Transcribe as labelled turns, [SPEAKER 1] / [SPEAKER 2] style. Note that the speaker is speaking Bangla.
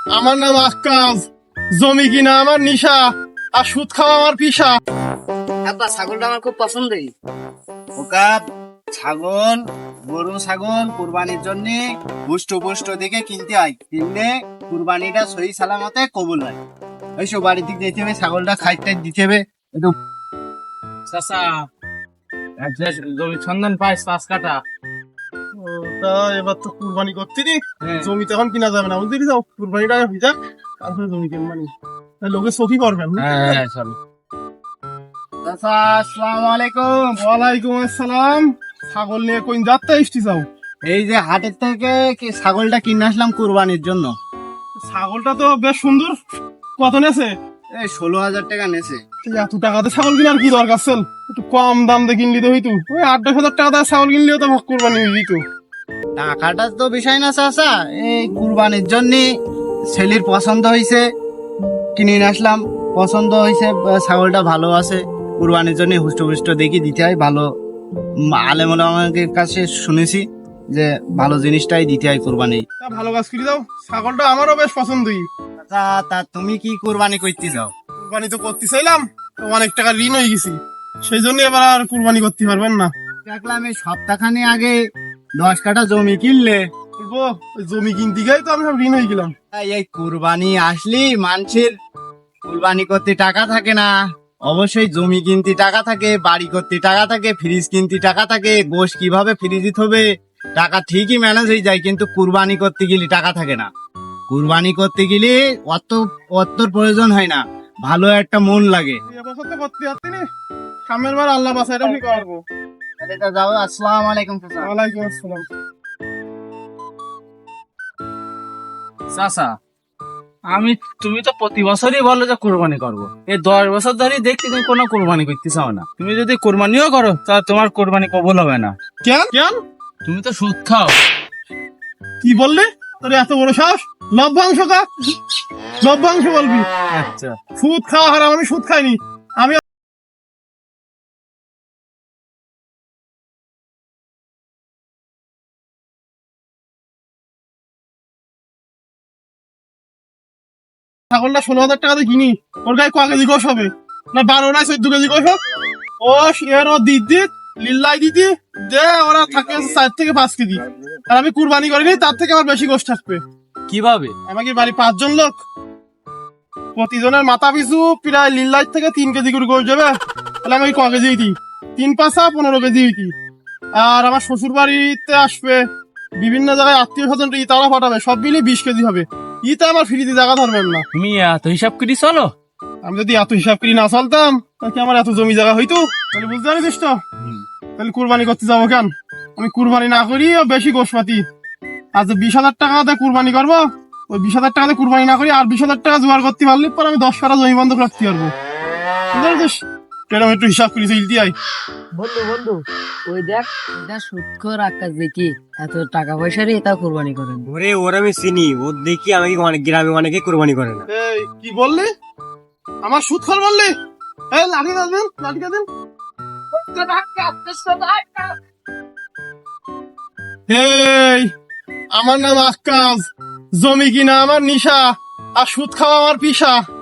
[SPEAKER 1] আমার নাম আক্কাস, জমি কিনা আমার নিশা, আর সুদ খাওয়া আমার পিসা।
[SPEAKER 2] আব্বা ছাগলটা আমার খুব পছন্দের।
[SPEAKER 3] ওকা ছাগল, গরু ছাগল কুরবানির জন্য পুষ্ট পুষ্ট দেখে কিনতে হয়, কিনলে কুরবানিটা সহি সালামতে কবুল হয়। ওইসব বাড়ির দিক দিতে হবে, ছাগলটা খাইতে দিতে হবে একটু।
[SPEAKER 4] চাচা জমি সন্ধান পাই 5 কাঠা।
[SPEAKER 1] তা এবার তো কুরবানি করতে নি, জমি তো এখন কিনা যাবে না, বুঝলি? যাও কুরবানিটা ভিজা, তারপরে জমি কিনবানি, লোকে চোখই করবেন।
[SPEAKER 4] হ্যাঁ চলো।
[SPEAKER 3] চাচা আসসালামু আলাইকুম।
[SPEAKER 1] ওয়ালাইকুম আসসালাম। ছাগল নিয়ে কোন যাত্রা এসছি যাও?
[SPEAKER 3] এই যে হাটের থেকে ছাগলটা কিনে আসলাম কুরবানির জন্য।
[SPEAKER 1] ছাগলটা তো বেশ সুন্দর। কত নেছে?
[SPEAKER 3] এই 16,000 টাকা নেছে।
[SPEAKER 1] এত টাকাতে ছাগল কিনার কি দরকার ছিল? একটু কম দাম দিয়ে কিনলি তো হইতো। ওই 8-10 হাজার টাকা দিয়ে ছাগল কিনলেও তো কুরবানি হয়ে যেত।
[SPEAKER 3] টাকাটা তো বিষয় না চাচা, এই কুরবানির জন্য ছেলের পছন্দ হয়েছে, কিনে নিয়ে আসলাম। পছন্দ হয়েছে, ছাগলটা ভালো আছে, কুরবানির জন্য হুষ্ট দেখি দিতে হয়। ভালো আলেম ওলামাদের কাছে শুনেছি যে ভালো জিনিসটাই দিতে হয় কুরবানি।
[SPEAKER 1] তা ভালো কাজ করে দাও, ছাগলটা আমারও বেশ পছন্দই।
[SPEAKER 3] তা তুমি কি কুরবানি করতে যাও?
[SPEAKER 1] কুরবানি তো করতে চাইলাম, তো অনেক টাকা ঋণ হয়ে গেছি, সেই জন্য এবার আর কুরবানি করতে পারবেন না।
[SPEAKER 3] দেখলাম এই সপ্তাহখানি আগে 10 কাঠা জমি কিনলে।
[SPEAKER 1] বলবো, ওই জমি কিনতে গিয়ে তো আমি সব ঋণ হয়ে গেলাম।
[SPEAKER 3] এই কুরবানি আসলি মানুষের কুরবানি করতে টাকা থাকে না, অবশ্যই জমি কিনতে টাকা থাকে, বাড়ি করতে টাকা থাকে, ফ্রিজ কিনতে টাকা থাকে, গোশ কিভাবে ফ্রিজে হবে, টাকা ঠিকই ম্যানেজ হয়ে যায়, কিন্তু কুরবানি করতে গেলে টাকা থাকে না। কুরবানি করতে গেলে অতর প্রয়োজন হয় না, ভালো একটা মন লাগে।
[SPEAKER 1] এবছর তো করতে পারছি না, সামনের বার আল্লাহ বাসাইটা কি করবো।
[SPEAKER 3] যাও, আসসালামু আলাইকুম।
[SPEAKER 1] ওয়ালাইকুম আসসালাম।
[SPEAKER 4] চাচা তুমি তো প্রতি বছরই বলো যে কোরবানি করবো, এই 10 বছর ধরে দেখছি তুমি কোনো কোরবানি করতে চাও না। তুমি যদি কোরবানিও করো তাহলে তোমার কোরবানি কবুল হবে না।
[SPEAKER 1] কেন কেন?
[SPEAKER 4] তুমি তো সুদ খাও।
[SPEAKER 1] কি বললে? তোর এত বড় সাহস? লভ্যাংশ কা? লভ্যাংশ বলবি?
[SPEAKER 4] আচ্ছা
[SPEAKER 1] সুদ খাওয়া হারাম, আমি সুদ খাইনি। আমি ছাগলটা 16,000 টাকা দিয়ে কিনি, ওর গায়ে ক কেজি গোশ হবে? না 12 না 14 কেজি গোশ হোক। ও এর ও দিদি লিল্লাই দিদি দে, ওরা থাকে 4 থেকে 5 কেজি, আর আমি কুরবানি করিনি, তার থেকে আমার বেশি গোশ থাকবে।
[SPEAKER 4] কিভাবে?
[SPEAKER 1] আমাকে বাড়ি 5 জন লোক, প্রতিজনের মাথা পিছু প্রায় লিল্লাই থেকে 3 কেজি করে গোশ দেবে, তাহলে আমি ওই ক কেজি হইতি? 3-5 15 কেজি হইতি। আর আমার শ্বশুর বাড়িতে আসবে, বিভিন্ন জায়গায় আত্মীয় স্বজন তারা পাঠাবে, সব মিলিয়ে 20 কেজি হবে। ইতে আমার ফ্রিতে জায়গা ধরবেন না।
[SPEAKER 4] তুমি এত হিসাব করে চলো?
[SPEAKER 1] আমি যদি এত হিসাব করি না চলতাম, তাহলে কি আমার এত জমি জায়গা হইতো? তাহলে বুঝতে পারিস তো, তাহলে কুরবানি করতে যাবো কেন? আমি কুরবানি না করি বেশি গোশপাতি, আর যে 20,000 টাকা দিয়ে কুরবানি করবো, ওই 20,000 টাকা দিয়ে কুরবানি না করি আর 20,000 টাকা জোগাড় করতে পারলে পর আমি 10 কাঠা জমি বন্ধক রাখতে পারবো। বুঝতে পারিস? এরকম একটু হিসাব করি চলতে হয়।
[SPEAKER 2] বন্ধু ওই দেখ, এটা সুদখোর আকাশ দেখি এত টাকা পয়সা রে তা কোরবানি করেন।
[SPEAKER 5] ওরে ওর আমি চিনি, ওর দেখি আমাকে অনেক গ্রামে অনেকে কোরবানি করে না।
[SPEAKER 1] এই কি বললি? আমার সুদ খর বললি? এই লাঠি দেন, লাঠি দেন। এই আমার নাম আক্কাস, জমি কিনা আমার নিশা, আর সুদ খাওয়া আমার পিসা।